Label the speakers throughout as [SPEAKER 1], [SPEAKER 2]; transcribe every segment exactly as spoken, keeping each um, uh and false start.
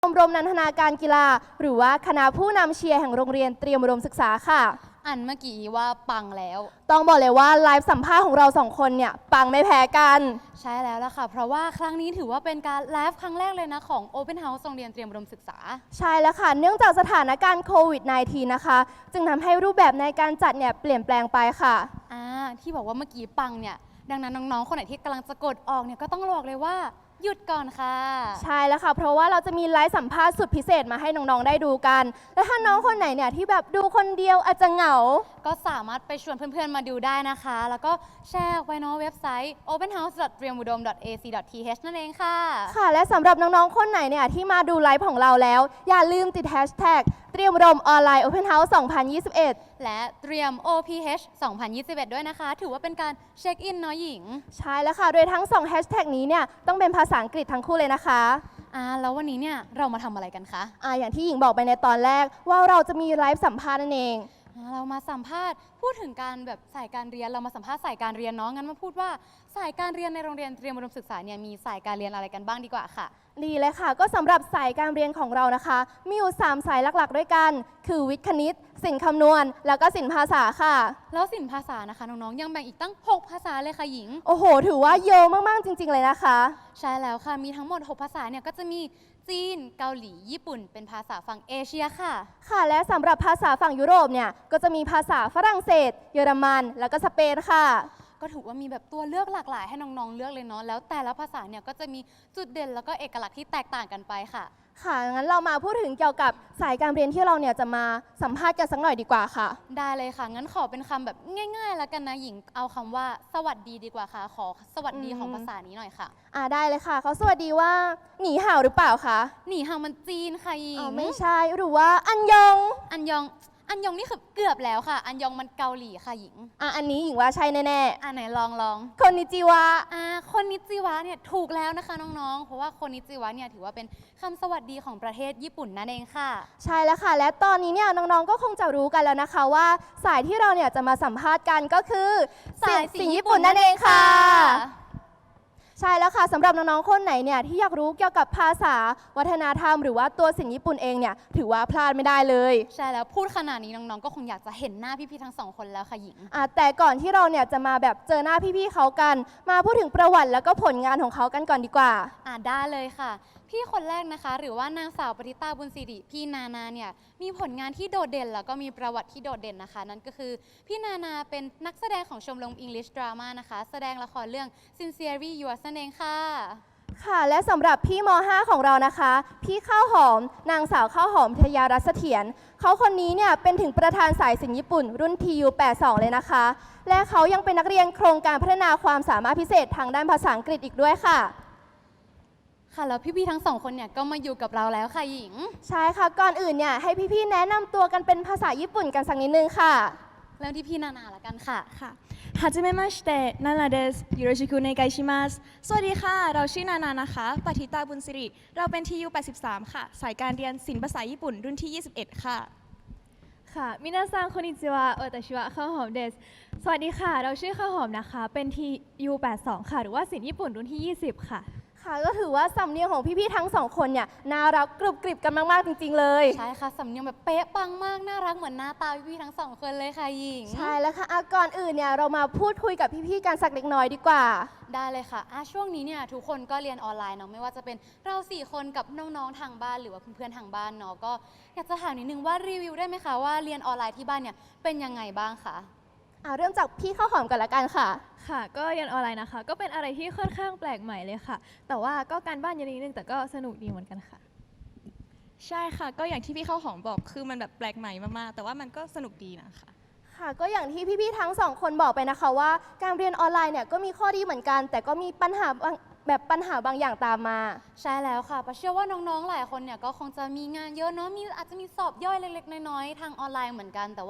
[SPEAKER 1] ชมรมนันทนาการกีฬาหรือว่าคณะผู้นำเชียร์แห่งโรงเรียนเตรียมอุดมศึกษาค่ะ
[SPEAKER 2] อันเมื่อกี้ว่าปังแล้ว
[SPEAKER 1] ต้องบอกเลยว่าไลฟ์สัมภาษณ์ของเราสองคนเนี่ยปังไม่แพ้กัน
[SPEAKER 2] ใช่แล้วล่ะค่ะเพราะว่าครั้งนี้ถือว่าเป็นการไลฟ์ครั้งแรกเลยนะของ Open House โรงเรียนเตรียมอุดมศึกษา
[SPEAKER 1] ใช่แล้วค่ะเนื่องจากสถานการณ์โควิด สิบเก้า นะคะจึงทำให้รูปแบบในการจัดเนี่ยเปลี่ยนแปลงไปค่ะ
[SPEAKER 2] อ่าที่บอกว่าเมื่อกี้ปังเนี่ยดังนั้นน้องๆคนไหนที่กำลังจะกดออกเนี่ยก็ต้องบอกเลยว่าหยุดก่อนค่ะ
[SPEAKER 1] ใช่แล้วค่ะเพราะว่าเราจะมีไลฟ์สัมภาษณ์สุดพิเศษมาให้น้องๆได้ดูกันและถ้าน้องคนไหนเนี่ยที่แบบดูคนเดียวอาจจะเหงา
[SPEAKER 2] ก็สามารถไปชวนเพื่อนๆมาดูได้นะคะแล้วก็แชร์ไว้เนาะเว็บไซต์ โอเพนเฮาส์ ดอท เตรียมอุดม ดอท เอ ซี ดอท ที เอช นั่นเองค่ะ
[SPEAKER 1] ค่ะและสำหรับน้องๆคนไหนเนี่ยที่มาดูไลฟ์ของเราแล้วอย่าลืมติดแฮชแท็กเตรียมอุดมออนไลน์ Open House สองพันยี่สิบเอ็ด
[SPEAKER 2] และเตรียม โอ พี เอช สองพันยี่สิบเอ็ด ด้วยนะคะถือว่าเป็นการเช็คอินเนาะหญิง
[SPEAKER 1] ใช่แล้วค่ะโดยทั้งสองแฮชแท็กนี้เนี่ยต้องเป็นภาษาอังกฤษทั้งคู่เลยนะคะ
[SPEAKER 2] อ่าแล้ววันนี้เนี่ยเรามาทำอะไรกันคะ
[SPEAKER 1] อ่าอย่างที่หญิงบอกไปในตอนแรกว่าเราจะมีไลฟ์สัมภาษณ์นั่นเอง
[SPEAKER 2] เรามาสัมภาษณ์พูดถึงการแบบสายการเรียนเรามาสัมภาษณ์สายการเรียนเนาะงั้นมาพูดว่าสายการเรียนในโรงเรียนเตรียมอุดมศึกษาเนี่ยมีสายการเรียนอะไรกันบ้างดีกว่าค่ะ
[SPEAKER 1] ดีเลยค่ะก็สำหรับสายการเรียนของเรานะคะมีอยู่สามสายหลักๆด้วยกันคือวิทย์คณิตศิลป์คำนวณแล้วก็ศิลป์ภาษาค่ะ
[SPEAKER 2] แล้วศิลป์ภาษานะคะน้องๆยังแบ่งอีกตั้งหกภาษาเลยค่ะหญิง
[SPEAKER 1] โอ้โหถือว่าเยอะมากๆจริงๆเลยนะคะ
[SPEAKER 2] ใช่แล้วค่ะมีทั้งหมดหกภาษาเนี่ยก็จะมีจีนเกาหลีญี่ปุ่นเป็นภาษาฝั่งเอเชียค่ะ
[SPEAKER 1] ค่ะและสำหรับภาษาฝั่งยุโรปเนี่ยก็จะมีภาษาฝรั่งเศสเยอรมันแล้วก็สเปนค่ะ
[SPEAKER 2] ก็ถือว่ามีแบบตัวเลือกหลากหลายให้น้องๆเลือกเลยเนาะแล้วแต่ละภาษาเนี่ยก็จะมีจุดเด่นแล้วก็เอกลักษณ์ที่แตกต่างกันไปค่ะ
[SPEAKER 1] ค่ะงั้นเรามาพูดถึงเกี่ยวกับสายการเรียนที่เราเนี่ยจะมาสัมภาษณ์กันสักหน่อยดีกว่าค่ะ
[SPEAKER 2] ได้เลยค่ะงั้นขอเป็นคำแบบง่ายๆแล้วกันนะหญิงเอาคำว่าสวัสดีดีกว่าค่ะขอสวัสดีของภาษานี้หน่อยค่ะ
[SPEAKER 1] อ่าได้เลยค่ะเขาสวัสดีว่าหนีห่าวหรือเปล่าคะ
[SPEAKER 2] หนีห่าวมันจีนค่ะหญิง
[SPEAKER 1] อ๋อไม่ใช่หรือว่าอันยอง
[SPEAKER 2] อันยองอันยองนี่คือเกือบแล้วค่ะอันยองมันเกาหลีค่ะหญิง
[SPEAKER 1] อ่ะอันนี้หญิงว่าใช่แน่
[SPEAKER 2] ๆอ่ะไหนลองลอง
[SPEAKER 1] คนนิจิวะ
[SPEAKER 2] อ่าคนนิจิวะเนี่ยถูกแล้วนะคะน้องๆเพราะว่าคนนิจิวะเนี่ยถือว่าเป็นคำสวัสดีของประเทศญี่ปุ่นนั่นเองค่ะ
[SPEAKER 1] ใช่แล้วค่ะและตอนนี้เนี่ยน้องๆก็คงจะรู้กันแล้วนะคะว่าสายที่เราเนี่ยจะมาสัมภาษณ์กันก็คือ
[SPEAKER 2] สายศิลป์
[SPEAKER 1] ญี่ปุ่นนั่นเองค่ะใช่แล้วค่ะสำหรับน้องๆคนไหนเนี่ยที่อยากรู้เกี่ยวกับภาษาวัฒนธรรมหรือว่าตัวศิลป์ญี่ปุ่นเองเนี่ยถือว่าพลาดไม่ได้เลย
[SPEAKER 2] ใช่แล้วพูดขนาดนี้น้องๆก็คงอยากจะเห็นหน้าพี่ๆทั้งสองคนแล้วค่ะหญิง
[SPEAKER 1] อ่ะแต่ก่อนที่เราเนี่ยจะมาแบบเจอหน้าพี่ๆเขากันมาพูดถึงประวัติแล้วก็ผลงานของเขากันก่อนดีกว่า
[SPEAKER 2] อ่ะได้เลยค่ะพี่คนแรกนะคะหรือว่านางสาวปริตาบุญสิริพี่นานาเนี่ยมีผลงานที่โดดเด่นแล้วก็มีประวัติที่โดดเด่นนะคะนั่นก็คือพี่นานาเป็นนักแสดงของชมรม English Drama นะคะแสดงละครเรื่อง Sincerely Yours นั่นเองค่ะ
[SPEAKER 1] ค่ะและสำหรับพี่ม .ห้า ของเรานะคะพี่ข้าวหอมนางสาวข้าวหอมทยารัศเสถียรเขาคนนี้เนี่ยเป็นถึงประธานสายศิลป์ญี่ปุ่นรุ่น ที ยู แปดสิบสอง เลยนะคะและเขายังเป็นนักเรียนโครงการพัฒนาความสามารถพิเศษทางด้านภาษาอังกฤษอีกด้วยค่ะ
[SPEAKER 2] ค่ะแล้วพี่ๆทั้งสองคนเนี่ยก็มาอยู่กับเราแล้วค่ะหญิง
[SPEAKER 1] ใช่ค่ะก่อนอื่นเนี่ยให้พี่ๆแนะนำตัวกันเป็นภาษาญี่ปุ่นกันสักนิดนึงค่ะ
[SPEAKER 2] เริ่มที่พี่นานาละกันค่ะ
[SPEAKER 3] ค่ะはじめましてนานาですよろしくお願いしますสวัสดีค่ะเราชื่อนานานะคะปฏิตาบุญสิริเราเป็น ที ยู แปดสิบสาม ค่ะสายการเรียนศิลป์ภาษาญี่ปุ่นรุ่นที่ยี่สิบเอ็ดค่ะ
[SPEAKER 4] ค่ะมินาซังคอนิจิวะโอตาชิวะข้าวหอมเดสสวัสดีค่ะเราชื่อข้าวหอมนะคะเป็น ที ยู แปดสิบสอง ค่ะหรือว่าศิลป์ญี่ปุ่นรุ่นที่ยี่สิบค่ะ
[SPEAKER 1] ค่ะก็ถือว่าสำเนียงของพี่ๆทั้งสองคนเนี่ยน่ารักกรุบกริบกันมากๆจริงๆเลย
[SPEAKER 2] ใช่ค่ะสำเนียงแบบเป๊ะปังมากน่ารักเหมือนหน้าตาพี่ๆทั้งสองคนเลยค่ะหญิง
[SPEAKER 1] ใช่แล้วค่ะก่อนอื่นเนี่ยเรามาพูดคุยกับพี่ๆกันสักเล็กน้อยดีกว่า
[SPEAKER 2] ได้เลยค่ะอ่ะช่วงนี้เนี่ยทุกคนก็เรียนออนไลน์เนาะไม่ว่าจะเป็นเราสี่คนกับน้องๆทางบ้านหรือว่าเพื่อนๆทางบ้านเนาะก็อยากจะถามนิดนึงว่ารีวิวได้ไหมคะว่าเรียนออนไลน์ที่บ้านเนี่ยเป็นยังไงบ้างคะ
[SPEAKER 1] อ่าเริ่มจากพี่ข้าวหอมก่อนละกันค่ะ
[SPEAKER 4] ค่ะก็เรียนออนไลน์นะคะก็เป็นอะไรที่ค่อนข้างแปลกใหม่เลยค่ะแต่ว่าก็การบ้านเยอะนิดนึงแต่ก็สนุกดีเหมือนกันค่ะ
[SPEAKER 3] ใช่ค่ะก็อย่างที่พี่ข้าวหอมบอกคือมันแบบแปลกใหม่มากๆแต่ว่ามันก็สนุกดีนะคะ
[SPEAKER 1] ค่ะก็อย่างที่พี่ๆทั้งสองคนบอกไปนะคะว่าการเรียนออนไลน์เนี่ยก็มีข้อดีเหมือนกันแต่ก็มีปัญหาแบบปัญหาบางอย่างตามมา
[SPEAKER 2] ใช่แล้วค่ะเชื่อว่าน้องๆหลายคนเนี่ยก็คงจะมีงานเยอะเนาะมีอาจจะมีสอบย่อยเล็กๆน้อยๆทางออนไลน์เหมือนกันแต่ว่า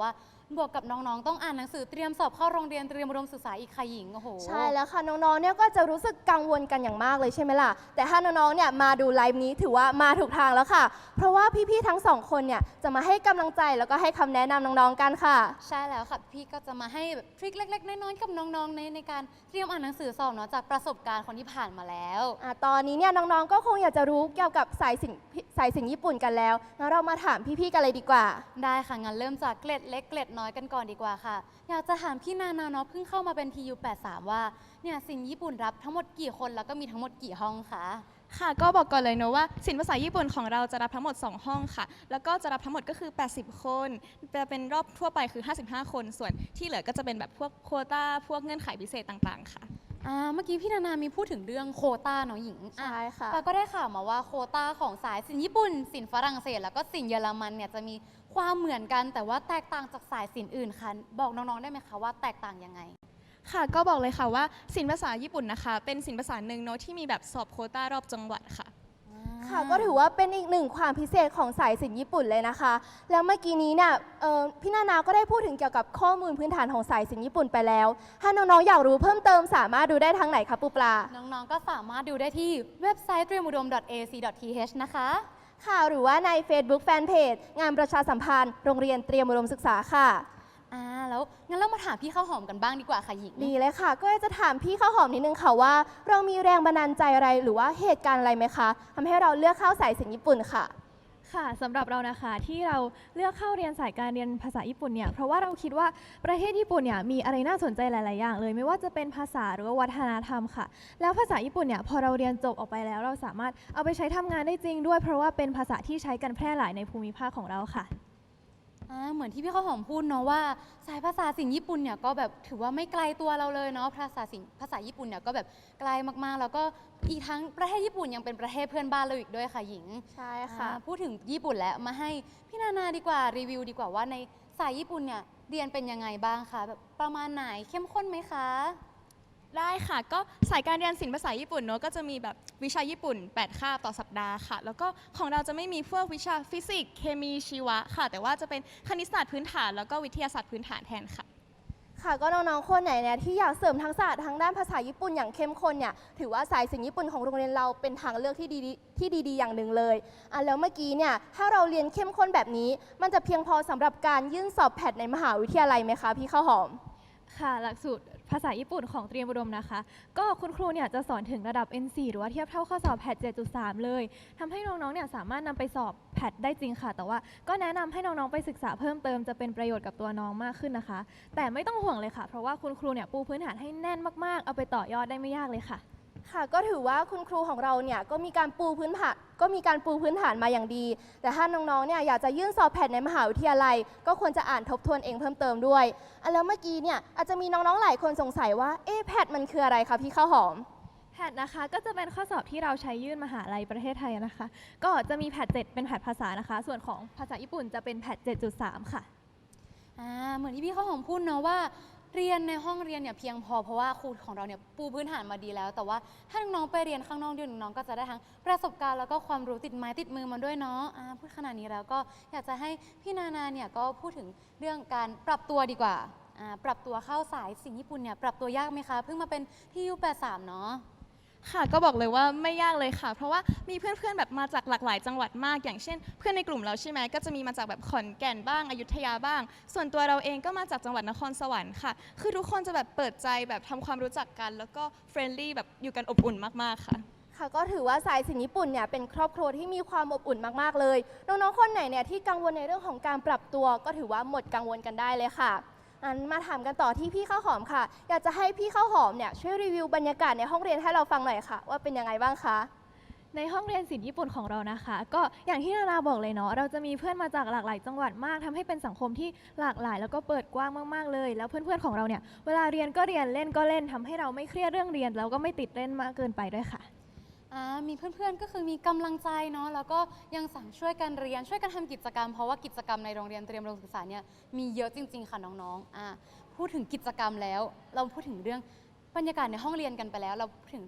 [SPEAKER 2] บวกกับน้องๆต้องอ่านหนังสือเตรียมสอบเข้าโรงเรียนเตรียมอุดมศึกษาอีกค่ะหญิงโอ้โห
[SPEAKER 1] ใช่แล้วค่ะน้องๆเนี่ยก็จะรู้สึกกังวลกันอย่างมากเลยใช่ไหมล่ะแต่ถ้าน้องๆเนี่ยมาดูไลฟ์นี้ถือว่ามาถูกทางแล้วค่ะ เพราะว่าพี่ๆทั้งสองคนเนี่ยจะมาให้กำลังใจแล้วก็ให้คำแนะนำน้องๆกันค่ะ
[SPEAKER 2] ใช่แล้วค่ะพี่ก็จะมาให้แบบทริคเล็กๆน้อยๆกับน้องๆในในการเตรียมอ่านหนังสือสอบเนาะจากประสบการณ์คนที่ผ่านมาแล้ว
[SPEAKER 1] อ่ะตอนนี้เนี่ยน้องๆก็คงอยากจะรู้เกี่ยวกับสายสิญสายสิญญี่ปุ่นกันแล้วงั้นเรามาถามพี่ๆกันเลยดีกว่า
[SPEAKER 2] ได้ค่ะงั้นเริ่มจากเกล็ดเล็กเกล็ดน้อยกันก่อนดีกว่าค่ะ อยากจะถามพี่นานาเนาะเพิ่งเข้ามาเป็น ที ยู แปดสิบสาม ว่าเนี่ยสินญี่ปุ่นรับทั้งหมดกี่คนแล้วก็มีทั้งหมดกี่ห้องคะ
[SPEAKER 3] ค่ะก็บอกก่อนเลยเนอะว่าศิลป์ภาษาญี่ปุ่นของเราจะรับทั้งหมดสองห้องค่ะแล้วก็จะรับทั้งหมดก็คือแปดสิบคนจะเป็นรอบทั่วไปคือห้าสิบห้าคนส่วนที่เหลือก็จะเป็นแบบพวกโควต้าพวกเงื่อนไขพิเศษต่างๆค่ะ
[SPEAKER 2] อ่าเมื่อกี้พี่นานามีพูดถึงเรื่องโควต้าเนาะหญิงอ่ะ
[SPEAKER 1] ใช่ค่ะ
[SPEAKER 2] ปาก็ได้ข่าวมาว่าโควต้าของสายสินญี่ปุ่นสินฝรั่งเศสแล้วก็สินเยอรมันเนี่ยจะมีความเหมือนกันแต่ว่าแตกต่างจากสายสินอื่นค่ะบอกน้องๆได้ไหมคะว่าแตกต่างยังไง
[SPEAKER 3] ค่ะก็บอกเลยค่ะว่าศิลป์ภาษาญี่ปุ่นนะคะเป็นศิลป์ภาษาหนึ่งเนอะที่มีแบบสอบโควต้ารอบจังหวัดค่ะ
[SPEAKER 1] ค่ะก็ถือว่าเป็นอีกหนึ่งความพิเศษของสายสิญญี่ปุ่นเลยนะคะ แล้วเมื่อกี้นี้เนี่ยเอ่อพี่นานาก็ได้พูดถึงเกี่ยวกับข้อมูลพื้นฐานของสายสิญญี่ปุ่นไปแล้ว ถ้าน้องๆอยากรู้เพิ่มเติมสามารถดูได้ทางไหนคะปูปลา
[SPEAKER 2] น้องๆ ก็สามารถดูได้ที่เว็บไซต์ เตรียมอุดม ดอท เอ ซี ดอท ที เอช นะคะ
[SPEAKER 1] ค่ะหรือว่าใน Facebook Fanpage งานประชาสัมพันธ์โรงเรียนเตรียมอุดมศึกษาค่ะ
[SPEAKER 2] อ่า แล้วงั้นเรามาถามพี่ข้าวหอมกันบ้างดีกว่าค่ะหญิง
[SPEAKER 1] ดีเลยค่ะ ก็จะถามพี่ข้าวหอมนิดนึงค่ะว่า เรามีแรงบันดาลใจอะไรหรือว่าเหตุการณ์อะไรไหมคะทำให้เราเลือกเข้าสายสิญญี่ปุ่นค่ะ
[SPEAKER 4] ค่ะสำหรับเรานะคะที่เราเลือกเข้าเรียนสายการเรียนภาษาญี่ปุ่นเนี่ยเพราะว่าเราคิดว่าประเทศญี่ปุ่นเนี่ยมีอะไรน่าสนใจหลาย ๆ อย่างเลย ไม่ว่าจะเป็นภาษาหรือว่าวัฒนธรรมค่ะ แล้วภาษาญี่ปุ่นเนี่ยพอเราเรียนจบออกไปแล้ว เราสามารถเอาไปใช้ทำงานได้จริงด้วย เพราะว่าเป็นภาษาที่ใช้กันแพร่หลายในภูมิภาคของเราค่ะ
[SPEAKER 2] อ่าเหมือนที่พี่ข้าวหอมพูดเนาะว่าสายภาษาสินญี่ปุ่นเนี่ยก็แบบถือว่าไม่ไกลตัวเราเลยเนาะภาษาสินภาษาญี่ปุ่นเนี่ยก็แบบไกลมากๆ แล้วก็อีกทั้งประเทศญี่ปุ่นยังเป็นประเทศเพื่อนบ้านเราอีกด้วยค่ะหญิง
[SPEAKER 1] ใช่ค่ะ
[SPEAKER 2] อ่าพูดถึงญี่ปุ่นแล้วมาให้พี่นานาดีกว่ารีวิวดีกว่าว่าในสายญี่ปุ่นเนี่ยเรียนเป็นยังไงบ้างคะแบบประมาณไหนเข้มข้นไหมคะ
[SPEAKER 3] ได้ค่ะก็สายการเรียนศิลป์ภาษาญี่ปุ่นเนอะก็จะมีแบบวิชาญี่ปุ่นแปดคาบต่อสัปดาห์ค่ะแล้วก็ของเราจะไม่มีพวกวิชาฟิสิกส์เคมีชีวะค่ะแต่ว่าจะเป็นคณิตศาสตร์พื้นฐานแล้วก็วิทยาศาสตร์พื้นฐานแทนค่ะ
[SPEAKER 1] ค่ะก็น้องๆ คนไหนเนี่ยที่อยากเสริมทักษะทางด้านภาษาญี่ปุ่นอย่างเข้มข้นเนี่ยถือว่าสายสิญญี่ปุ่นของโรงเรียนเราเป็นทางเลือกที่ดีที่ดีๆอย่างหนึ่งเลยอ่ะแล้วเมื่อกี้เนี่ยถ้าเราเรียนเข้มข้นแบบนี้ มันจะเพียงพอสำหรับการยื่นสอบแพทในมหาวิทยาลัยไหมคะพี่ข้าวหอม
[SPEAKER 4] ค่ะหลักสูตรภาษาญี่ปุ่นของเตรียมอุดมนะคะ ก็คุณครูเนี่ยจะสอนถึงระดับ เอ็น โฟร์ หรือว่าเทียบเท่าข้อสอบแพท เจ็ดจุดสาม เลยทำให้น้องๆเนี่ยสามารถนำไปสอบแพทได้จริงค่ะ แต่ว่าก็แนะนำให้น้องๆไปศึกษาเพิ่มเติมจะเป็นประโยชน์กับตัวน้องมากขึ้นนะคะ แต่ไม่ต้องห่วงเลยค่ะ เพราะว่าคุณครูเนี่ยปูพื้นฐานให้แน่นมากๆ เอาไปต่อยอดได้ไม่ยากเลยค่ะ
[SPEAKER 1] ค่ะก็ถือว่าคุณครูของเราเนี่ยก็มีการปูพื้นฐานก็มีการปูพื้นฐานมาอย่างดี แต่ถ้าน้องๆเนี่ยอยากจะยื่นสอบแพทในมหาวิทยาลัย ก็ควรจะอ่านทบทวนเองเพิ่มเติมด้วยอ่ะแล้วเมื่อกี้เนี่ยอาจจะมีน้องๆหลายคนสงสัยว่าเอ๊ะแพทมันคืออะไรคะพี่ข้าวหอม
[SPEAKER 4] แพทนะคะก็จะเป็นข้อสอบที่เราใช้ยื่นมหาลัยประเทศไทยนะคะ ก็จะมีแพทเจ็ดเป็นแพทภาษานะคะ ส่วนของภาษาญี่ปุ่นจะเป็นแพท เจ็ดจุดสาม ค่ะ
[SPEAKER 2] อ่าเหมือนที่พี่ข้าวหอมพูดเนาะว่าเรียนในห้องเรียนเนี่ยเพียงพอเพราะว่าครูของเราเนี่ยปูพื้นฐานมาดีแล้ว แต่ว่าถ้าน้องๆไปเรียนข้างนอกด้วยน้องๆก็จะได้ทั้งประสบการณ์แล้วก็ความรู้ติดไม้ติดมือมาด้วยเนาะอ่าพูดขนาดนี้แล้วก็อยากจะให้พี่นานาเนี่ยก็พูดถึงเรื่องการปรับตัวดีกว่าอ่าปรับตัวเข้าสายสินญี่ปุ่นเนี่ยปรับตัวยากไหมคะเพิ่งมาเป็นที่ ยู แปดสิบสาม เนาะ
[SPEAKER 3] ค่ะก็บอกเลยว่าไม่ยากเลยค่ะ เพราะว่ามีเพื่อนๆแบบมาจากหลากหลายจังหวัดมากอย่างเช่น เพื่อนในกลุ่มเราใช่ไหมก็จะมีมาจากแบบขอนแก่นบ้างอยุธยาบ้าง ส่วนตัวเราเองก็มาจากจังหวัดนครสวรรค์ค่ะคือทุกคนจะแบบเปิดใจแบบทำความรู้จักกัน แล้วก็เฟรนลี่แบบอยู่กันอบอุ่นมากๆค่ะ
[SPEAKER 1] ค่ะก็ถือว่าสายสิญญี่ปุ่นเนี่ยเป็นครอบครัวที่มีความอบอุ่นมากๆเลยน้องๆคนไหนเนี่ยที่กังวลในเรื่องของการปรับตัวก็ถือว่าหมดกังวลกันได้เลยค่ะอันมาถามกันต่อที่พี่ข้าวหอมค่ะ อยากจะให้พี่ข้าวหอมเนี่ยช่วยรีวิวบรรยากาศในห้องเรียนให้เราฟังหน่อยค่ะ ว่าเป็นยังไงบ้างคะ
[SPEAKER 4] ในห้องเรียนศิลป์ญี่ปุ่นของเรานะคะ ก็อย่างที่นานาบอกเลยเนาะเราจะมีเพื่อนมาจากหลากหลายจังหวัดมากทำให้เป็นสังคมที่หลากหลาย แล้วก็เปิดกว้างมากๆเลย แล้วเพื่อนๆของเราเนี่ยเวลาเรียนก็เรียนเล่นก็เล่นทำให้เราไม่เครียดเรื่องเรียนแล้วก็ไม่ติดเล่นมากเกินไปด้วยค่ะ
[SPEAKER 2] อ่ามีเพื่อนๆ ก็คือมีกำลังใจเนาะ แล้วก็ยังสั่งช่วยกันเรียน ช่วยกันทำกิจกรรม เพราะว่ากิจกรรมในโรงเรียนเตรียมอุดมศึกษาเนี่ยมีเยอะจริงๆ ค่ะน้องๆอ่าพูดถึงกิจกรรมแล้ว เราพูดถึงเรื่องบรรยากาศในห้องเรียนกันไปแล้ว เราพูดถึงเรื่อง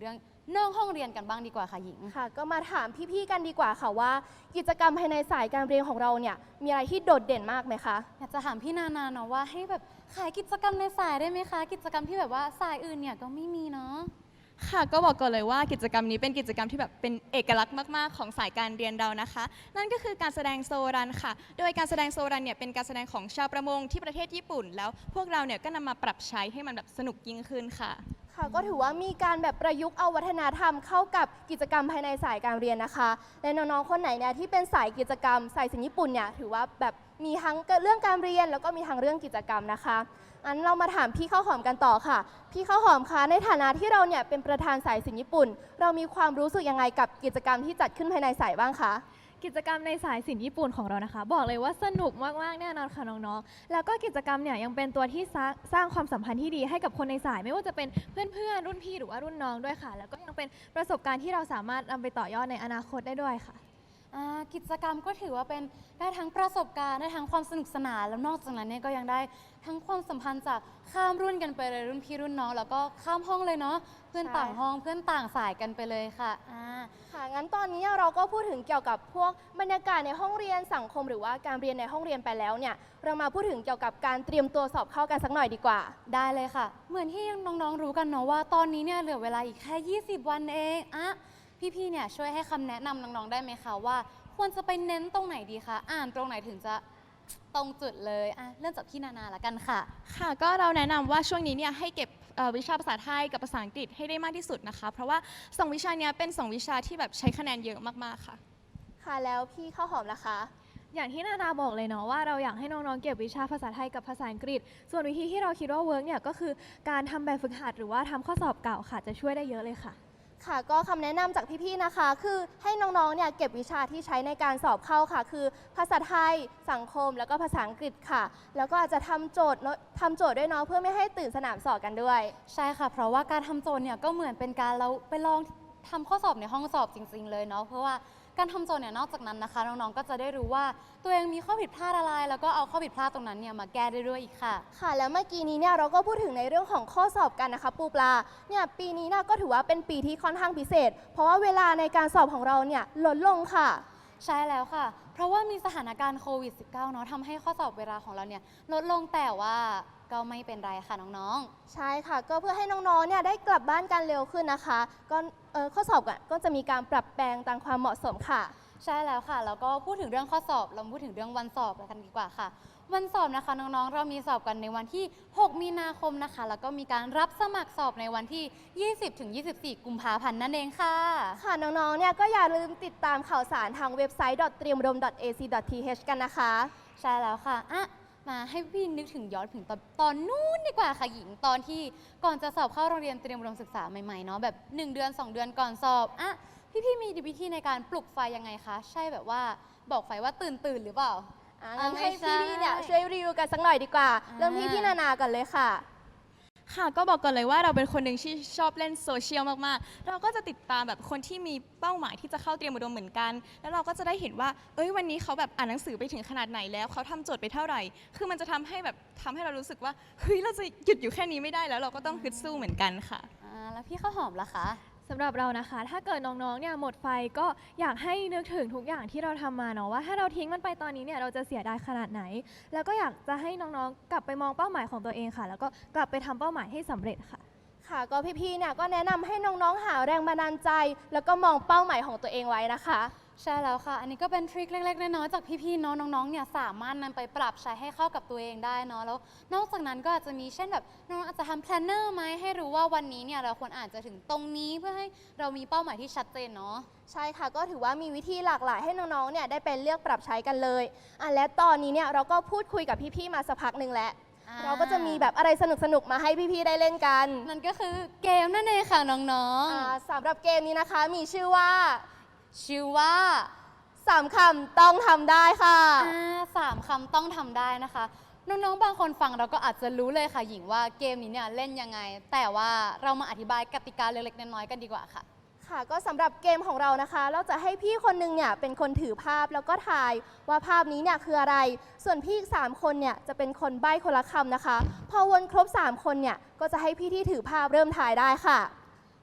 [SPEAKER 2] นอกห้องเรียนกันบ้างดีกว่าค่ะหญิง
[SPEAKER 1] ค่ะ ก็มาถามพี่ๆกันดีกว่าค่ะว่า กิจกรรมภายในสายการเรียนของเราเนี่ยมีอะไรที่โดดเด่นมากไหมคะ
[SPEAKER 2] อยากจะถามพี่นานาเนาะว่าให้แบบขายกิจกรรมในสายได้ไหมคะ กิจกรรมที่แบบว่าสายอื่นเนี่ยก็ไม่มีเนาะ
[SPEAKER 3] ค่ะก็บอกก่อนเลยว่ากิจกรรมนี้เป็นกิจกรรมที่แบบเป็นเอกลักษณ์มากๆของสายการเรียนเรานะคะ นั่นก็คือการแสดงโซรันค่ะ โดยการแสดงโซรันเนี่ยเป็นการแสดงของชาวประมงที่ประเทศญี่ปุ่น แล้วพวกเราเนี่ยก็นำมาปรับใช้ให้มันแบบสนุกยิ่งขึ้นค่ะ
[SPEAKER 1] ค่ะก็ถือว่ามีการแบบประยุกต์เอาวัฒนธรรมเข้ากับกิจกรรมภายในสายการเรียนนะคะ และน้องๆคนไหนเนี่ยที่เป็นสายกิจกรรมสายศิลป์ญี่ปุ่นเนี่ยถือว่าแบบมีทั้งเรื่องการเรียนแล้วก็มีทั้งเรื่องกิจกรรมนะคะอันเรามาถามพี่ข้าวหอมกันต่อค่ะ พี่ข้าวหอมคะในฐานะที่เราเนี่ยเป็นประธานสายศิลป์ญี่ปุ่น เรามีความรู้สึกยังไงกับกิจกรรมที่จัดขึ้นภายในสายบ้างคะ
[SPEAKER 4] กิจกรรมในสายศิลป์ญี่ปุ่นของเรานะคะ บอกเลยว่าสนุกมากๆแน่นอนค่ะน้องๆแล้วก็กิจกรรมเนี่ยยังเป็นตัวที่สร้างสร้างความสัมพันธ์ที่ดีให้กับคนในสาย ไม่ว่าจะเป็นเพื่อนๆรุ่นพี่หรือว่ารุ่นน้องด้วยค่ะ แล้วก็ยังเป็นประสบการณ์ที่เราสามารถนำไปต่อยอดในอนาคตได้ด้วยค่ะ
[SPEAKER 2] อ่ากิจกรรมก็ถือว่าเป็นได้ทั้งประสบการณ์ได้ทั้งความสนุกสนานแล้วนอกจากนั้นเนี่ยก็ยังได้ทั้งความสัมพันธ์จากข้ามรุ่นกันไปเลยรุ่นพี่รุ่นน้องแล้วก็ข้ามห้องเลยเนาะเพื่อน
[SPEAKER 1] ใช่
[SPEAKER 2] ต่างห้องเพื่อนต่างสายกันไปเลยค่ะอ่า
[SPEAKER 1] ค่ะงั้นตอนนี้เราก็พูดถึงเกี่ยวกับพวกบรรยากาศในห้องเรียนสังคมหรือว่าการเรียนในห้องเรียนไปแล้วเนี่ยเรามาพูดถึงเกี่ยวกับการเตรียมตัวสอบเข้ากันสักหน่อยดีกว่า
[SPEAKER 2] ได้เลยค่ะ เหมือนที่น้องๆรู้กันเนาะว่าตอนนี้เนี่ยเหลือเวลาอีกแค่ ยี่สิบ วันเองอะพี่ๆเนี่ยช่วยให้คำแนะนำน้องๆได้ไหมคะว่าควรจะไปเน้นตรงไหนดีคะอ่านตรงไหนถึงจะตรงจุดเลยอ่ะเริ่มจากพี่นานาละกันค่ะ
[SPEAKER 3] ค่ะก็เราแนะนำว่าช่วงนี้เนี่ยให้เก็บเอ่อวิชาภาษาไทยกับภาษาอังกฤษให้ได้มากที่สุดนะคะ เพราะว่าสองวิชาเนี้ยเป็นสองวิชาที่แบบใช้คะแนนเยอะมากๆค่ะ
[SPEAKER 1] ค่ะแล้วพี่ข้าวหอมล่ะคะ
[SPEAKER 4] อย่างที่นานาบอกเลยเนาะว่าเราอยากให้น้องๆเก็บวิชาภาษาไทยกับภาษาอังกฤษ ส่วนวิธีที่เราคิดว่าเวิร์กเนี่ยก็คือการทำแบบฝึกหัดหรือว่าทำข้อสอบเก่าค่ะจะช่วยได้เยอะเลยค่ะ
[SPEAKER 1] ค่ะก็คำแนะนำจากพี่ๆนะคะ คือให้น้องๆเนี่ยเก็บวิชาที่ใช้ในการสอบเข้าค่ะ คือภาษาไทยสังคมแล้วก็ภาษาอังกฤษค่ะ แล้วก็อาจจะทำโจทย์เนอะทำโจทย์ด้วยเนาะเพื่อไม่ให้ตื่นสนามสอบกันด้วย
[SPEAKER 2] ใช่ค่ะ เพราะว่าการทำโจทย์เนี่ยก็เหมือนเป็นการเราไปลองทำข้อสอบในห้องสอบจริง ๆ เลยเนาะ เพราะว่าการทำโจทย์เนี่ยนอกจากนั้นนะคะน้องๆ ก็จะได้รู้ว่าตัวเองมีข้อผิดพลาดอะไร แล้วก็เอาข้อผิดพลาดตรงนั้นเนี่ยมาแก้ได้ด้วยอีกค่ะ
[SPEAKER 1] ค่ะแล้วเมื่อกี้นี้เนี่ยเราก็พูดถึงในเรื่องของข้อสอบกันนะคะปูปลาเนี่ยปีนี้เนี่ยก็ถือว่าเป็นปีที่ค่อนข้างพิเศษ เพราะว่าเวลาในการสอบของเราเนี่ยลดลงค่ะ
[SPEAKER 2] ใช่แล้วค่ะ เพราะว่ามีสถานการณ์โควิด สิบเก้า เนาะทำให้ข้อสอบเวลาของเราเนี่ยลดลงแต่ว่าก็ไม่เป็นไรค่ะน้องๆ
[SPEAKER 1] ใช่ค่ะ ก็เพื่อให้น้องๆเนี่ยได้กลับบ้านกันเร็วขึ้นนะคะ ก็เอ่อข้อสอบอะก็จะมีการปรับแปลงตามความเหมาะสมค่ะ
[SPEAKER 2] ใช่แล้วค่ะ แล้วก็พูดถึงเรื่องข้อสอบ เราพูดถึงเรื่องวันสอบกันดีกว่าค่ะ วันสอบนะคะน้องๆ เรามีสอบกันในวันที่ หก มีนาคมนะคะ แล้วก็มีการรับสมัครสอบในวันที่ ยี่สิบ ถึง ยี่สิบสี่ กุมภาพันธ์นั่นเองค่ะ
[SPEAKER 1] ค่ะน้องๆ เนี่ยก็อย่าลืมติดตามข่าวสารทางเว็บไซต์ เตรียมอุดม เอ ซี ที เอช กันนะคะ
[SPEAKER 2] ใช่แล้วค่ะอ่ะ มาให้พี่นึกถึงย้อนถึงตอนตอนนู้นดีกว่าค่ะหญิง ตอนที่ก่อนจะสอบเข้าโรงเรียนเตรียมอุดมศึกษาใหม่ๆ เนาะ แบบ หนึ่ง เดือน สอง เดือนก่อนสอบอ่ะพี่ๆ มีวิธีในการปลุกไฟยังไงคะ ใช่แบบว่าบอกไฟว่าตื่นตื่นๆหรือเปล่า
[SPEAKER 1] อ่ะงั้น
[SPEAKER 2] อ่ะ
[SPEAKER 1] ให้
[SPEAKER 2] ไม่ใช่
[SPEAKER 1] พี่ๆ เนี่ยช่วยรีวิวกันสักหน่อยดีกว่า
[SPEAKER 2] อ่า
[SPEAKER 1] เริ่มที่พี่นานากันเลยค่ะ
[SPEAKER 3] ค่ะก็บอกก่อนเลยว่าเราเป็นคนหนึ่งที่ชอบเล่นโซเชียลมากๆ เราก็จะติดตามแบบคนที่มีเป้าหมายที่จะเข้าเตรียมอุดมเหมือนกัน แล้วเราก็จะได้เห็นว่า เอ้ยวันนี้เขาแบบอ่านหนังสือไปถึงขนาดไหนแล้วเขาทำโจทย์ไปเท่าไหร่ คือมันจะทำให้แบบทำให้เรารู้สึกว่าเฮ้ยเราจะหยุดอยู่แค่นี้ไม่ได้แล้วเราก็ต้องฮึดสู้เหมือนกันค่ะ
[SPEAKER 2] อ่าแล้วพี่ข้าวหอมล่ะคะ
[SPEAKER 4] สำหรับเรานะคะ ถ้าเกิดน้องๆ เนี่ยหมดไฟก็อยากให้นึกถึงทุกอย่างที่เราทำมาเนาะว่าถ้าเราทิ้งมันไปตอนนี้เนี่ยเราจะเสียดายขนาดไหน แล้วก็อยากจะให้น้องๆ กลับไปมองเป้าหมายของตัวเองค่ะ แล้วก็กลับไปทำเป้าหมายให้สำเร็จค่ะ
[SPEAKER 1] ค่ะ ก็พี่ๆ เนี่ยก็แนะนำให้น้องๆ หาแรงบันดาลใจ แล้วก็มองเป้าหมายของตัวเองไว้นะคะ
[SPEAKER 2] ใช่แล้วค่ะ อันนี้ก็เป็นทริคเล็กๆ น้อยๆ จากพี่ๆ เนาะน้องๆ เนี่ยสามารถนำไปปรับใช้ให้เข้ากับตัวเองได้เนาะ แล้วนอกจากนั้นก็อาจจะมีเช่นแบบน้องๆอาจจะทำแพลนเนอร์ไหมให้รู้ว่าวันนี้เนี่ยเราควรอ่านจะถึงตรงนี้เพื่อให้เรามีเป้าหมายที่ชัดเจนเนาะ
[SPEAKER 1] ใช่ค่ะ ก็ถือว่ามีวิธีหลากหลายให้น้องๆ เนี่ยได้ไปเลือกปรับใช้กันเลยอ่ะและตอนนี้เนี่ยเราก็พูดคุยกับพี่ๆ มาสักพักหนึ่งแล้ว
[SPEAKER 2] อ่า
[SPEAKER 1] เราก็จะมีแบบอะไรสนุกๆ มาให้พี่ๆ ได้เล่นกัน
[SPEAKER 2] นั่นก็คือเกมนั่นเองค่ะน้อง
[SPEAKER 1] อ่าสำหรับเกมนี้นะคะมีชื่อว่า
[SPEAKER 2] ๆ ชื่อว่า
[SPEAKER 1] สามคำต้องทำได้ค่ะ
[SPEAKER 2] อ่าสามคำต้องทำได้นะคะ น้องๆ บางคนฟังเราก็อาจจะรู้เลยค่ะหญิงว่าเกมนี้เนี่ยเล่นยังไง แต่ว่าเรามาอธิบายกติกาเล็กๆ น้อยๆ กันดีกว่าค่ะ
[SPEAKER 1] ค่ะก็สำหรับเกมของเรานะคะ เราจะให้พี่คนหนึงเนี่ยเป็นคนถือภาพแล้วก็ทายว่าภาพนี้เนี่ยคืออะไร ส่วนพี่อีกสามคนเนี่ยจะเป็นคนใบ้คนละคำนะคะ พอวนครบสามคนเนี่ยก็จะให้พี่ที่ถือภาพเริ่มทายได้ค่ะ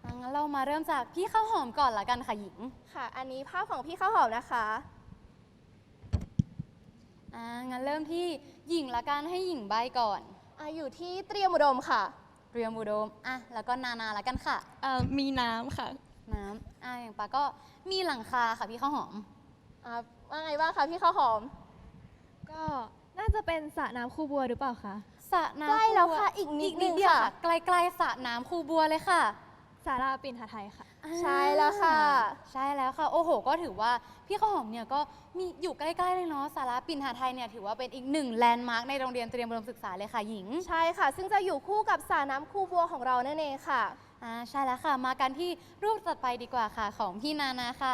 [SPEAKER 2] อ่ะงั้นเรามาเริ่มจากพี่ข้าวหอมก่อนละกันค่ะหญิง
[SPEAKER 1] ค่ะ อันนี้ภาพของพี่ข้าวหอมนะคะ
[SPEAKER 2] อ่างั้นเริ่มที่หญิงละกันให้หญิงใบก่อน
[SPEAKER 1] อ่ะอยู่ที่เตรียมอุดมค่ะ
[SPEAKER 2] เรียมอุดมอ่ะแล้วก็นานาละกันค่ะ
[SPEAKER 3] เอ่อมีน้ำค่ะ
[SPEAKER 2] น้ำอ่ะอย่างปาก็มีหลังคาค่ะพี่ข้าวหอม
[SPEAKER 1] อ่ะว่าไงบ้างคะพี่ข้าวหอม
[SPEAKER 4] ก็น่าจะเป็นสระน้ำคูบัวหรือเปล่าคะ
[SPEAKER 2] สระน้ำ
[SPEAKER 1] ใกล้แล้ว
[SPEAKER 2] บั
[SPEAKER 1] ค่ะอีกนิดนึง
[SPEAKER 2] เดียว
[SPEAKER 1] ค่ะ
[SPEAKER 2] ใกล้ๆสระน้ำคูบัวเลยค่ะ
[SPEAKER 4] สาราปิ่นหไทยค่ะ
[SPEAKER 1] ใช่แล้วค่ะ
[SPEAKER 2] ใช่แล้วค่ะ โอ้โห ก็ถือว่าพี่ข้าวหอมเนี่ยก็มีอยู่ใกล้ๆเลยเนาะสาราปิ่นหาไทยเนี่ยถือว่าเป็นอีกหนึ่งแลนด์มาร์คในโรงเรียนเตรียมอุดมศึกษาเลยค่ะหญิง
[SPEAKER 1] ใช่ค่ะ ซึ่งจะอยู่คู่กับสระน้ำคูบัวของเรานั่นเองค่ะ
[SPEAKER 2] อ่าใช่แล้วค่ะ มากันที่รูปต่อไปดีกว่าค่ะของพี่นานาค่ะ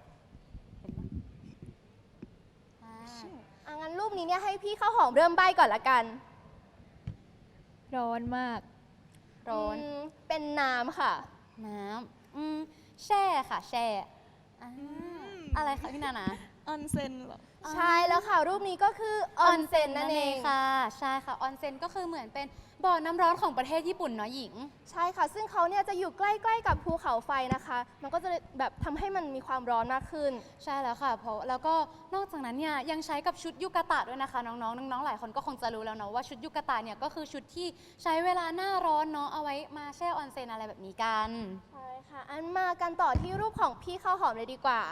[SPEAKER 2] อ่า
[SPEAKER 1] อ่ะงั้นรูปนี้เนี่ยให้พี่ข้าวหอมเริ่มใบ้ก่อนละกัน
[SPEAKER 4] ร้อนมาก
[SPEAKER 2] ร้อน
[SPEAKER 1] อืมเป็นน้ำค่ะ
[SPEAKER 2] น้ำอืมแช่ค่ะแช่อ่าอะไรคะพี่นานา
[SPEAKER 3] ออนเซ็นเหรอ
[SPEAKER 1] ใช่แล้วค่ะ รูปนี้ก็คือออนเซ็นนั่นเอง
[SPEAKER 2] ค่ะ ใช่ค่ะออนเซ็นก็คือเหมือนเป็นบ่อน้ำร้อนของประเทศญี่ปุ่นเนาะหญิง
[SPEAKER 1] ใช่ค่ะ ซึ่งเขาเนี่ยจะอยู่ใกล้ๆกับภูเขาไฟนะคะ มันก็จะแบบทำให้มันมีความร้อนมากขึ้น
[SPEAKER 2] ใช่แล้วค่ะเพราะแล้วก็นอกจากนั้นเนี่ยยังใช้กับชุดยุกะตะด้วยนะคะน้องๆน้องๆหลายคนก็คงจะรู้แล้วเนาะว่าชุดยุกะตะเนี่ยก็คือชุดที่ใช้เวลาหน้าร้อนเนาะเอาไว้มาแช่ออนเซ็นอะไรแบบนี้กัน
[SPEAKER 1] ใช่ค่ะ อันมากันต่อที่รูปของพี่ข้าวหอมเลยดีกว่า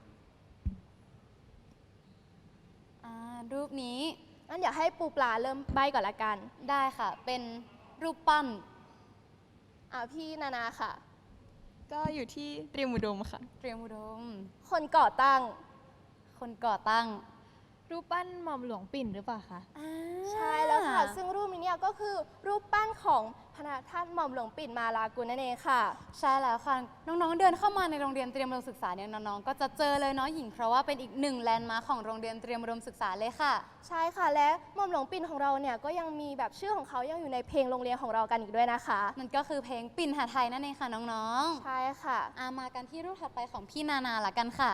[SPEAKER 2] อ่ารูปนี้
[SPEAKER 1] งั้นเดี๋ยวให้ปูปลาเริ่มใบ้ก่อนละกัน
[SPEAKER 2] ได้ค่ะเป็นรูปปั้น
[SPEAKER 1] อ่าพี่นานาค่ะ
[SPEAKER 3] ก็อยู่ที่เตรียมอุดมค่ะ
[SPEAKER 2] เตรียมอุดม
[SPEAKER 1] คนก่อตั้ง
[SPEAKER 2] คนก่อตั้ง
[SPEAKER 4] รูปปั้นหม่อมหลวงปิ่นหรือเปล่าคะ
[SPEAKER 2] อ่า
[SPEAKER 1] ใช่แล้วค่ะ ซึ่งรูปนี้เนี่ยก็คือรูปปั้นของพระท่านหม่อมหลวงปิ่นมาลากุลนั่นเองค่ะ
[SPEAKER 2] ใช่แล้วค่ะน้องๆเดินเข้ามาในโรงเรียนเตรียมอุดมศึกษาเนี่ยน้องๆก็จะเจอเลยเนาะหญิงเพราะว่าเป็นอีกหนึ่งแลนด์มาร์คของโรงเรียนเตรียมอุดมศึกษาเลยค่ะ
[SPEAKER 1] ใช่ค่ะ และหม่อมหลวงปิ่นของเราเนี่ยก็ยังมีแบบชื่อของเขายังอยู่ในเพลงโรงเรียนของเรากันอีกด้วยนะคะ
[SPEAKER 2] นั่นก็คือเพลงปิ่นหาไทยนั่นเองค่ะน้องๆ
[SPEAKER 1] ใช่ค่ะ
[SPEAKER 2] อามากันที่รูปถัดไปของพี่นานาละกันค่ะ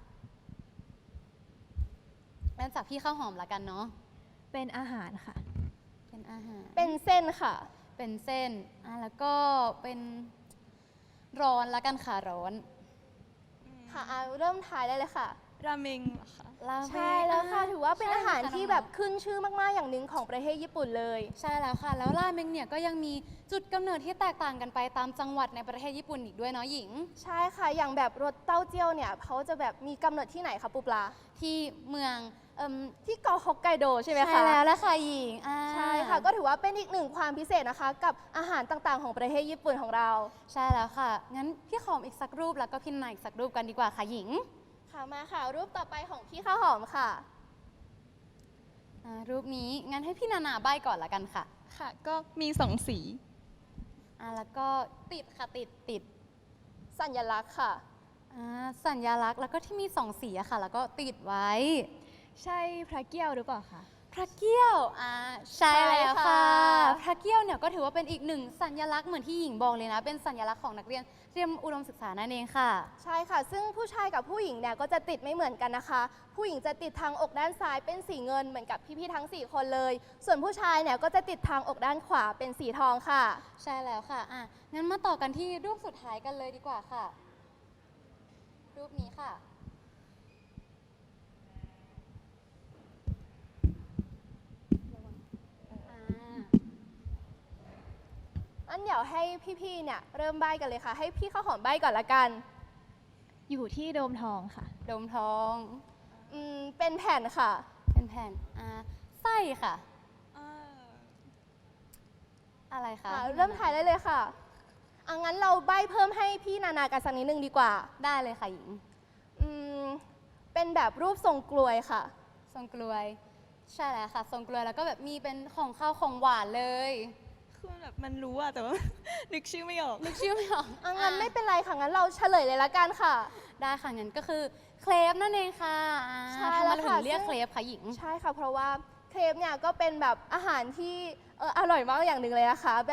[SPEAKER 2] เริ่มจากพี่ข้าวหอมละกันเนาะ
[SPEAKER 4] เป็นอาหารค่ะ
[SPEAKER 2] เป็นอาหาร
[SPEAKER 1] เป็นเส้นค่ะ
[SPEAKER 2] เป็นเส้นอ่ะแล้วก็เป็นร้อนละกันค่ะร้อน
[SPEAKER 1] ค่ะอ่ะเริ่มถ่ายได้เลยค่ะ
[SPEAKER 3] ราเมงเหรอคะ
[SPEAKER 2] ราเมง
[SPEAKER 1] ใช่แล้วค่ะ ถือว่าเป็น
[SPEAKER 2] ใช่
[SPEAKER 1] อาหาร
[SPEAKER 2] ค่ะ
[SPEAKER 1] ที่
[SPEAKER 2] น้องๆ
[SPEAKER 1] แบบขึ้นชื่อมากๆอย่างหนึ่งของประเทศญี่ปุ่นเลย
[SPEAKER 2] ใช่แล้วค่ะ แล้วราเมงเนี่ยก็ยังมีจุดกำเนิดที่แตกต่างกันไปตามจังหวัดในประเทศญี่ปุ่นอีกด้วยเนาะหญิง
[SPEAKER 1] ใช่ค่ะ อย่างแบบรสเต้าเจี้ยวเนี่ยเขาจะแบบมีกำเนิดที่ไหนคะปูปลา
[SPEAKER 2] ที่เมืองเอิ่ม
[SPEAKER 1] ที่เกาะฮอกไกโดใช่ไหมคะ
[SPEAKER 2] ใช่แล้วละค่ะหญิงอ่า
[SPEAKER 1] ใช่ค่ะ ก็ถือว่าเป็นอีกหนึ่งความพิเศษนะคะ กับอาหารต่างๆ ของประเทศญี่ปุ่นของเรา
[SPEAKER 2] ใช่แล้วค่ะ งั้นพี่ขอมอีกสักรูปแล้วก็พี่นาอีกสักรูปกันดีกว่าค่ะหญิง
[SPEAKER 1] ค่ะมาค่ะ รูปต่อไปของพี่ข้าวหอมค่ะ
[SPEAKER 2] อ่ารูปนี้งั้นให้พี่นานาใบ้ก่อนละกันค่ะ
[SPEAKER 3] ค่ะ ก็มีสองสี
[SPEAKER 2] อ่าแล้วก็ติดค่ะติดติด
[SPEAKER 1] สัญลักษณ์ค่ะ
[SPEAKER 2] อ่าสัญลักษณ์แล้วก็ที่มีสองสีอะค่ะ แล้วก็ติดไว้
[SPEAKER 4] ใช่พระเกี้ยวหรือเปล่าคะ
[SPEAKER 2] พระเกี้ยวอ่าใช่
[SPEAKER 1] ใช่
[SPEAKER 2] แล้วค่ะ
[SPEAKER 1] ค่ะ
[SPEAKER 2] พระเกี้ยวเนี่ยก็ถือว่าเป็นอีกหนึ่งสัญลักษณ์เหมือนที่หญิงบอกเลยนะ เป็นสัญลักษณ์ของนักเรียนเตรียมอุดมศึกษานั่นเองค่ะ
[SPEAKER 1] ใช่ค่ะ ซึ่งผู้ชายกับผู้หญิงเนี่ยก็จะติดไม่เหมือนกันนะคะ ผู้หญิงจะติดทางอกด้านซ้ายเป็นสีเงินเหมือนกับพี่ๆทั้งสี่คนเลย ส่วนผู้ชายเนี่ยก็จะติดทางอกด้านขวาเป็นสีทองค่ะ
[SPEAKER 2] ใช่แล้วค่ะอ่ะงั้นมาต่อกันที่รูปสุดท้ายกันเลยดีกว่าค่ะ รูปนี้ค่ะอ่า
[SPEAKER 1] อันเดี๋ยวให้พี่ๆ เนี่ยเริ่มใบ้กันเลยค่ะ ให้พี่ข้าวหอมใบ้ก่อนละกัน
[SPEAKER 4] อยู่ที่โดมทองค่ะ
[SPEAKER 2] โดมทอง
[SPEAKER 1] อืมเป็นแผ่นค่ะ
[SPEAKER 2] เป็นแผ่นอ่าไส้ค่ะ อะไรคะ
[SPEAKER 1] ค่ะ เริ่มถ่ายได้เลยค่ะเอางั้นเราใบ้เพิ่มให้พี่นานากันสักนิดนึงดีกว่า
[SPEAKER 2] ได้เลยค่ะหญิง
[SPEAKER 1] อืมเป็นแบบรูปทรงกลวยค่ะ
[SPEAKER 2] ทรงกลวย ใช่แล้วค่ะทรงกลวยแล้วก็แบบมีเป็นของข้าวของหวานเลย
[SPEAKER 3] คือแบบมันรู้อะแต่ว่า นึกชื่อไม่ออก
[SPEAKER 2] นึกชื่อไม่ออก
[SPEAKER 1] เอางั้นไม่เป็นไรค่ะ งั้นเราเฉลยเลยละกันค่ะ
[SPEAKER 2] ได้ค่ะงั้นก็คือเคลปนั่นเองค่ะอ่า
[SPEAKER 1] ใช่
[SPEAKER 2] ทำ
[SPEAKER 1] แล้
[SPEAKER 2] ไม
[SPEAKER 1] ว
[SPEAKER 2] เราถึ
[SPEAKER 1] ค่ะ
[SPEAKER 2] งเรียก
[SPEAKER 1] ซึ่ง
[SPEAKER 2] เคลปคะหญิง
[SPEAKER 1] ใช่ค่ะ เพราะว่าเครปเนี่ยก็เป็นแบบอาหารที่เอออร่อยมากอย่างหนึ่งเลยนะคะ แบบ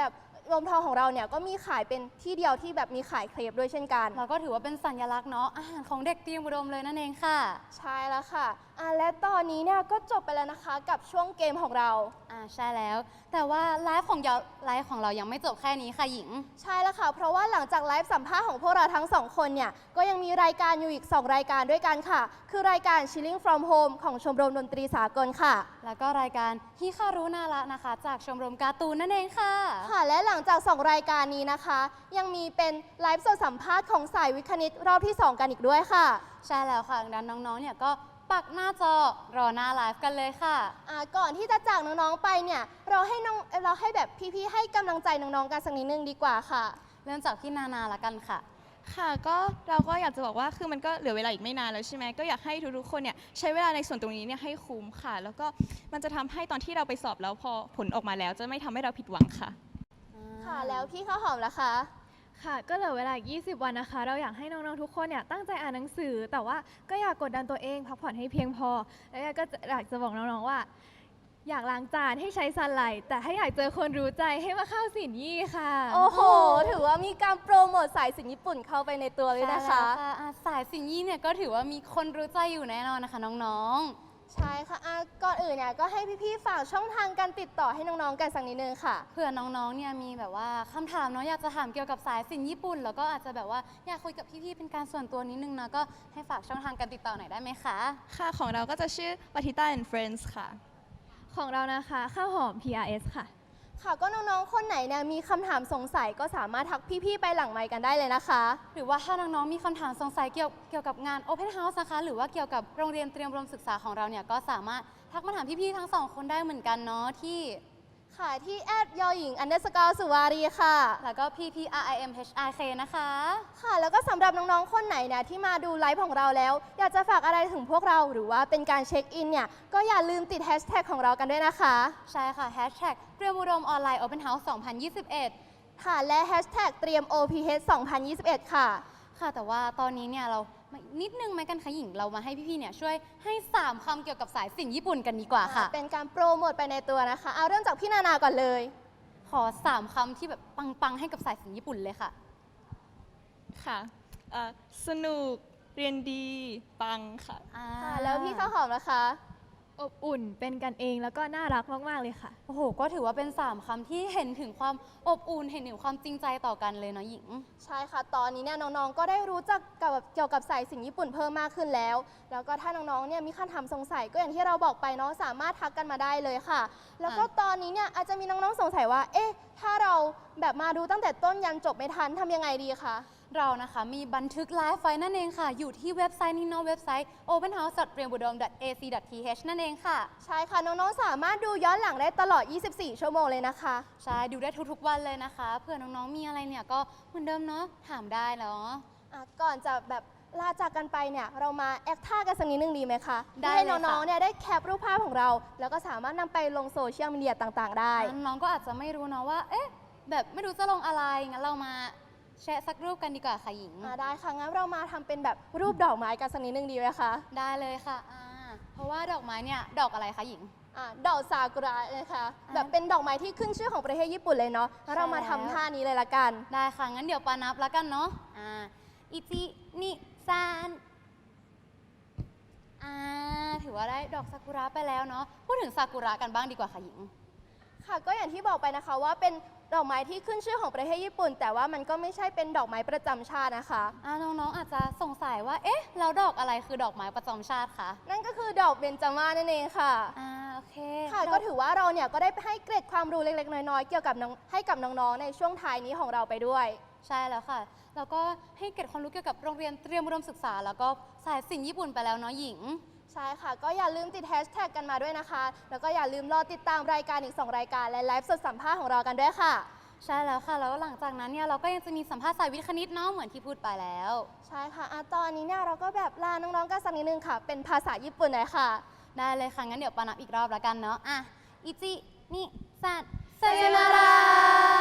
[SPEAKER 1] รวมทองของเราเนี่ยก็มีขายเป็นที่เดียวที่แบบมีขายเครปด้วยเช่นกัน
[SPEAKER 2] เราก็ถือว่าเป็นสัญลักษณ์เนาะอาหารของเด็กเตรียมอุดมเลยนั่นเองค่ะ
[SPEAKER 1] ใช่แล้วค่ะอ่ะและตอนนี้เนี่ยก็จบไปแล้วนะคะกับช่วงเกมของเรา
[SPEAKER 2] อ่าใช่แล้ว แต่ว่าไลฟ์ของเราไลฟ์ของเรายังไม่จบแค่นี้ค่ะหญิง
[SPEAKER 1] ใช่แล้วค่ะ เพราะว่าหลังจากไลฟ์สัมภาษณ์ของพวกเราทั้งสองคนเนี่ย ก็ยังมีรายการอยู่อีก สอง รายการด้วยกันค่ะ คือรายการ Chilling from Home ของชมรมดนตรีสากลค่ะ
[SPEAKER 2] แล้วก็รายการฮิคารุนาระนะคะ จากชมรมการ์ตูนนั่นเองค่ะ
[SPEAKER 1] ค่ะ และหลังจาก สอง รายการนี้นะคะ ยังมีเป็นไลฟ์สดสัมภาษณ์ของสายวิทย์คณิตรอบที่ สอง กันอีกด้วยค่ะ
[SPEAKER 2] ใช่แล้วค่ะดังนั้นน้องๆ เนี่ยก็ปักหน้าจอรอหน้าไลฟ์กันเลยค่ะ
[SPEAKER 1] อ่าก่อนที่จะจากน้องๆไปเนี่ย เราให้น้องเราให้แบบพี่ๆให้กำลังใจน้องๆกันสักนิดนึงดีกว่าค่ะ
[SPEAKER 2] เริ่มจากพี่นานาละกันค่ะ
[SPEAKER 3] ค่ะก็เราก็อยากจะบอกว่าคือมันก็เหลือเวลาอีกไม่นานแล้วใช่ไหมก็อยากให้ทุกๆคนเนี่ยใช้เวลาในส่วนตรงนี้เนี่ยให้คุ้มค่ะ แล้วก็มันจะทำให้ตอนที่เราไปสอบแล้วพอผลออกมาแล้วจะไม่ทำให้เราผิดหวังค่ะ
[SPEAKER 1] ค่ะ แล้วพี่ข้าวหอมล่ะคะ
[SPEAKER 4] ค่ะ ก็เหลือเวลาอีกยี่สิบ วันนะคะ เราอยากให้น้องๆ ทุกคนเนี่ยตั้งใจอ่านหนังสือ แต่ว่าก็อยากกดดันตัวเอง พักผ่อนให้เพียงพอ แล้วก็อยากจะบอกน้องๆ ว่า อยากล้างจานให้ใช้ซันไลท์แต่ถ้าอยากเจอคนรู้ใจให้มาเข้าสินยี่ค่ะ
[SPEAKER 1] โอ้โห ถือว่ามีการโปรโมทสายสินญี่ปุ่นเข้าไปในตัวเลยนะคะ
[SPEAKER 2] ใช่แล้วอ่ะสายสิงยี่เนี่ยก็ถือว่ามีคนรู้ใจอยู่แน่นอนนะคะน้อง
[SPEAKER 1] ใช่ค่ะอ่ะก่อนอื่นเนี่ยก็ให้พี่ๆฝากช่องทางการติดต่อให้น้องๆกันสักนิดนึงค่ะ
[SPEAKER 2] ๆ เผื่อน้องๆ เนี่ยมีแบบว่าคำถามเนาะอยากจะถามเกี่ยวกับสายสินญี่ปุ่น แล้วก็อาจจะแบบว่าอยากคุยกับพี่ๆ เป็นการส่วนตัวนิดนึงนะก็ให้ฝากช่องทางการติดต่อหน่อยได้ไหมคะ
[SPEAKER 3] ค่ะของเราก็จะชื่อ Batita and Friends ค่ะ
[SPEAKER 4] ของเรานะคะข้าวหอม พี อาร์ เอส ค่ะ
[SPEAKER 1] ค่ะก็น้องๆ คนไหนเนี่ยมีคำถามสงสัยก็สามารถทักพี่ๆ ไปหลังไมค์กันได้เลยนะคะ
[SPEAKER 2] หรือว่าถ้าน้องๆ มีคำถามสงสัยเกี่ยวเกี่ยวกับงาน Open House นะคะ หรือว่าเกี่ยวกับโรงเรียนเตรียมอุดมศึกษาของเราเนี่ยก็สามารถทักมาถามพี่ๆ ทั้งสองคนได้เหมือนกันเนาะที่
[SPEAKER 1] ค่ะที่แอดยอหญิงอันเดอร์สกอร์สุวารีค่ะ
[SPEAKER 2] แล้วก็ พี พี อาร์ ไอ เอ็ม เอช ไอ เค นะคะ
[SPEAKER 1] ค่ะ แล้วก็สำหรับน้องๆ คนไหนเนี่ยที่มาดูไลฟ์ของเราแล้ว อยากจะฝากอะไรถึงพวกเราหรือว่าเป็นการเช็คอินเนี่ย ก็อย่าลืมติดแฮชแท็กของเรากันด้วยนะคะ
[SPEAKER 2] ใช่ค่ะ Hashtag เตรียมอุดมออนไลน์ Open House สองพันยี่สิบเอ็ด
[SPEAKER 1] ค่ะ และแฮชแท็กเตรียม โอ พี เอช สองพันยี่สิบเอ็ด ค่ะ
[SPEAKER 2] ค่ะแต่ว่าตอนนี้เนี่ยเรามานิดนึงไหมกันคะหญิงเรามาให้พี่ๆ เนี่ยช่วยให้ สาม คำเกี่ยวกับสายสินญี่ปุ่นกันดีกว่าค่ะ
[SPEAKER 1] เป็นการโปรโมทไปในตัวนะคะ เอาเริ่มจากพี่นานาก่อนเลย
[SPEAKER 2] ขอ สาม คำที่แบบปังๆ ให้กับสายสินญี่ปุ่นเลยค่ะ
[SPEAKER 3] ค่ะเอ่อสนุกเรียนดีปังค่ะ
[SPEAKER 2] อ่า
[SPEAKER 1] ค่ะ แล้วพี่ข้าวหอมนะคะ
[SPEAKER 4] อบอุ่นเป็นกันเองแล้วก็น่ารักมากๆเลยค่ะ
[SPEAKER 2] โอ้โห ก็ถือว่าเป็น สาม คำที่เห็นถึงความอบอุ่น เห็นถึงความจริงใจต่อกันเลยเนาะหญิง
[SPEAKER 1] ใช่ค่ะ ตอนนี้เนี่ยน้องๆ ก็ได้รู้จักกับเกี่ยวกับสายสินญี่ปุ่นเพิ่มมากขึ้นแล้ว แล้วก็ถ้าน้องๆ เนี่ยมีคำถามสงสัยก็อย่างที่เราบอกไปเนาะสามารถทักกันมาได้เลยค่ะ แล้วก็
[SPEAKER 2] อ่ะ
[SPEAKER 1] ตอนนี้เนี่ยอาจจะมีน้องๆ สงสัยว่า เอ๊ะ ถ้าเราแบบมาดูตั้งแต่ต้นยันจบไม่ทันทำยังไงดีคะ
[SPEAKER 2] เรานะคะมีบันทึกไลฟ์ไว้นั่นเองค่ะ อยู่ที่เว็บไซต์นี้เนาะเว็บไซต์ โอเพนเฮาส์ ดอท เตรียมอุดม ดอท เอ ซี ดอท ที เอช นั่นเองค่ะ
[SPEAKER 1] ใช่ค่ะ น้องๆ สามารถดูย้อนหลังได้ตลอด ยี่สิบสี่ ชั่วโมงเลยนะคะ
[SPEAKER 2] ใช่ ดูได้ทุกๆ วันเลยนะคะ เผื่อน้องๆ มีอะไรเนี่ยก็เหมือนเดิมเนาะ ถามได้เนาะ
[SPEAKER 1] อ่ะก่อนจะแบบลาจากกันไปเนี่ยเรามาแอคท่ากันสักนิดนึงดีไหมคะ
[SPEAKER 2] ได้
[SPEAKER 1] ให้
[SPEAKER 2] เลยค่ะ
[SPEAKER 1] น้องๆ เนี่ยได้แคปรูปภาพของเรา แล้วก็สามารถนำไปลงโซเชียลมีเดียต่างๆ ได้
[SPEAKER 2] น้องๆ ก็อาจจะไม่รู้เนาะว่า เอ๊ะ แบบไม่รู้จะลงอะไร งั้นเรามาแชร์สักรูปกันดีกว่าค่ะหญิง
[SPEAKER 1] อ่าได้ค่ะ งั้นเรามาทำเป็นแบบรูปดอกไม้กันสักนิดนึงดีไหมคะ
[SPEAKER 2] ได้เลยค่ะอ่าเพราะว่าดอกไม้เนี่ย ดอกอะไรคะหญิง
[SPEAKER 1] อ่าดอกซากุระนะคะ
[SPEAKER 2] อ่า
[SPEAKER 1] แบบเป็นดอกไม้ที่ขึ้นชื่อของประเทศญี่ปุ่นเลยเนาะงั้นเรามาทำท่านี้เลยละกัน
[SPEAKER 2] ได้ค่ะ งั้นเดี๋ยวปานับแล้วกันเนาะ อ่า อิจินิซานอ่า ถือว่าได้ดอกซากุระไปแล้วเนาะ พูดถึงซากุระกันบ้างดีกว่าค่ะหญิง
[SPEAKER 1] ค่ะ ก็อย่างที่บอกไปนะคะว่าเป็นดอกไม้ที่ขึ้นชื่อของประเทศญี่ปุ่น แต่ว่ามันก็ไม่ใช่เป็นดอกไม้ประจำชาตินะคะ
[SPEAKER 2] อ่าน้องๆ อาจจะสงสัยว่า เอ๊ะ แล้วดอกอะไรคือดอกไม้ประจำชาติคะ
[SPEAKER 1] นั่นก็คือดอกเบญจมาศนั่นเองค่ะ
[SPEAKER 2] อ่า โอเค
[SPEAKER 1] ค่ะ
[SPEAKER 2] ด
[SPEAKER 1] ก็ถือว่าเราเนี่ยก็ได้ให้เกร็ดความรู้เล็กๆ น้อยๆ เกี่ยวกับน้องให้กับน้องๆ ในช่วงท้ายนี้ของเราไปด้วย
[SPEAKER 2] ใช่แล้วค่ะ แล้วก็ให้เก็บความรู้เกี่ยวกับโรงเรียนเตรียมอุดมศึกษา แล้วก็สายสิ่งญี่ปุ่นไปแล้วเนาะหญิง
[SPEAKER 1] ใช่ค่ะ ก็อย่าลืมติดแฮชแท็กกันมาด้วยนะคะ แล้วก็อย่าลืมรอติดตามรายการอีก สอง รายการและไลฟ์สดสัมภาษณ์ของเรากันด้วยค่ะ
[SPEAKER 2] ใช่แล้วค่ะ แล้วหลังจากนั้นเนี่ยเราก็ยังจะมีสัมภาษณ์สายวิทย์คณิตเนาะเหมือนที่พูดไปแล้ว
[SPEAKER 1] ใช่ค่ะอะตอนนี้เนี่ยเราก็แบบลาน้องๆกันสักนิดนึงค่ะ เป็นภาษาญี่ปุ่นหน่อยค่ะ
[SPEAKER 2] ได้เลยค่ะ งั้นเดี๋ยวปานับอีกรอบแล้วกันเนาะ อ่ะ อิจิ นิ ซัน
[SPEAKER 1] さよなら